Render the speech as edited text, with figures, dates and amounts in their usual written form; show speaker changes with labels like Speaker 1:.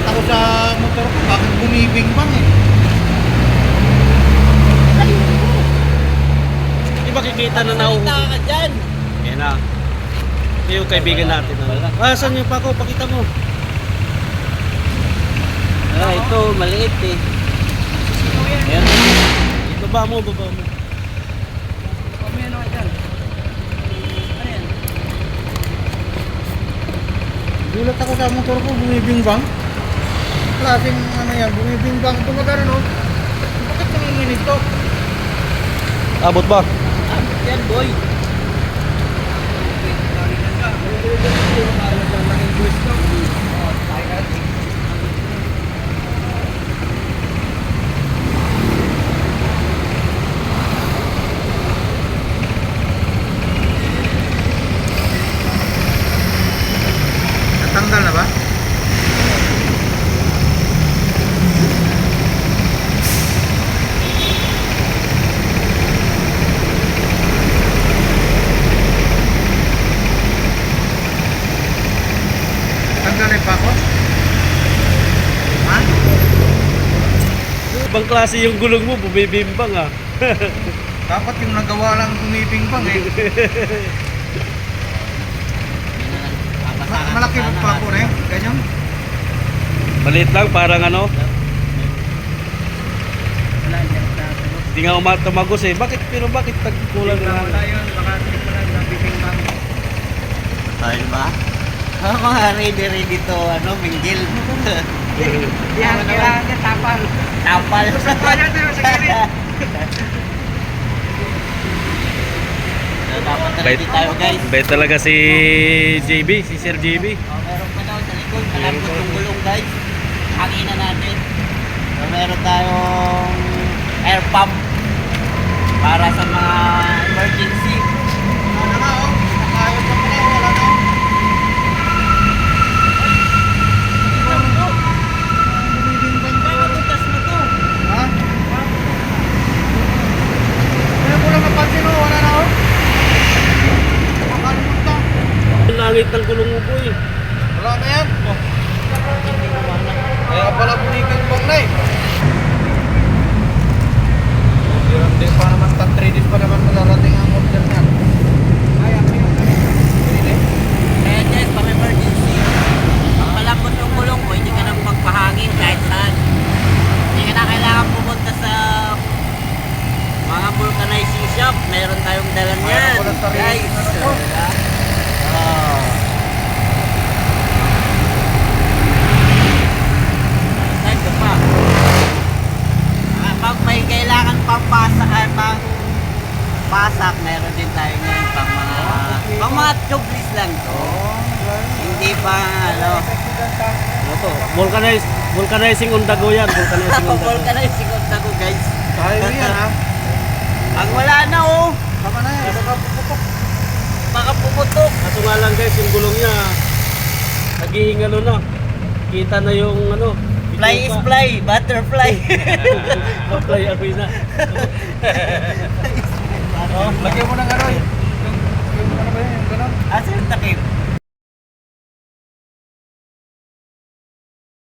Speaker 1: ako sa motor ko, bakit bumibing-bang eh.
Speaker 2: Di ba kikita na
Speaker 3: Salita ka dyan.
Speaker 2: Yan na. Ito yung kaibigan natin. Saan yung pako? Pakita mo.
Speaker 3: Ito, maliit eh.
Speaker 2: Ayan. Baba mo, baba mo.
Speaker 1: Gulat ako sa motor ko, bumibing-bang. Klaseng ano yan, bumibing-bang. Tumagano no? Bakit nanginginig to?
Speaker 2: Abot ba?
Speaker 3: Yan, boy.
Speaker 1: Natanggal na ba? Tanggal na pa ako? Ha?
Speaker 2: Ibang klase yung gulong mo, bumibimbang ah.
Speaker 1: Dapat yung nagawa lang bumibing-bang eh. Malaki pa ako rin, ganyan.
Speaker 2: Maliit lang, parang ano. Hindi nga tumagos eh. Bakit? Pero bakit tagkulang na?
Speaker 3: Ayun ba? Mga ready to, minggil.
Speaker 1: Yan, kailangan ka tapal.
Speaker 3: Tapal. Dapat na ready tayo, guys.
Speaker 2: Bait talaga si JB, si Sir JB.
Speaker 3: Meron pa daw sa likod. Malambot yung gulong, guys. Hangina natin. So, meron tayong air pump para sa mga emergency.
Speaker 1: Wala na oh. Nakayot pa pala, wala na oh. Bumibing-bang to.
Speaker 3: Tutas mo to.
Speaker 1: Ha? Kaya ko lang napansin oh, wala na oh. Makalimutan.
Speaker 2: Ang langit ng gulong mo po eh.
Speaker 1: Wala na yan. Oh. Kaya pala bumibing-bang na eh. Hindi pa naman, 3 days pa naman malarating ang order niyan. Kaya ko yung hindi.
Speaker 3: Kaya guys, pang emergency. Pag malambot yung gulong mo, hindi ka nang magpahangin kahit saan. Hindi ka na kailangan pumunta sa mga vulcanizing shop. Meron tayong dala niyan.
Speaker 1: Mayroon ko lang sarili.
Speaker 3: Guys.
Speaker 1: Ano to?
Speaker 3: Oh. Saan ka pa? Pag may kailangan pang pasak, meron din tayo ngayon pang mga tublis lang to. Hindi pa
Speaker 2: Ano to? Vulcanizing on the go yan. Vulcanizing on the go.
Speaker 3: vulcanizing on the go, guys.
Speaker 1: Kaya yan ha.
Speaker 3: Ang wala na oh.
Speaker 1: Tama na yan. Baka puputok.
Speaker 3: Baka pumutok.
Speaker 2: Kaso nga lang guys, yung gulong niya naging ano na. Kita na yung ano.
Speaker 3: Fly is fly, butterfly.
Speaker 2: Fly ako'y na.
Speaker 1: Oh, lagyan mo ng ano eh. Lagyan mo na ba yun? Yung ganun.
Speaker 3: Asa yung takip?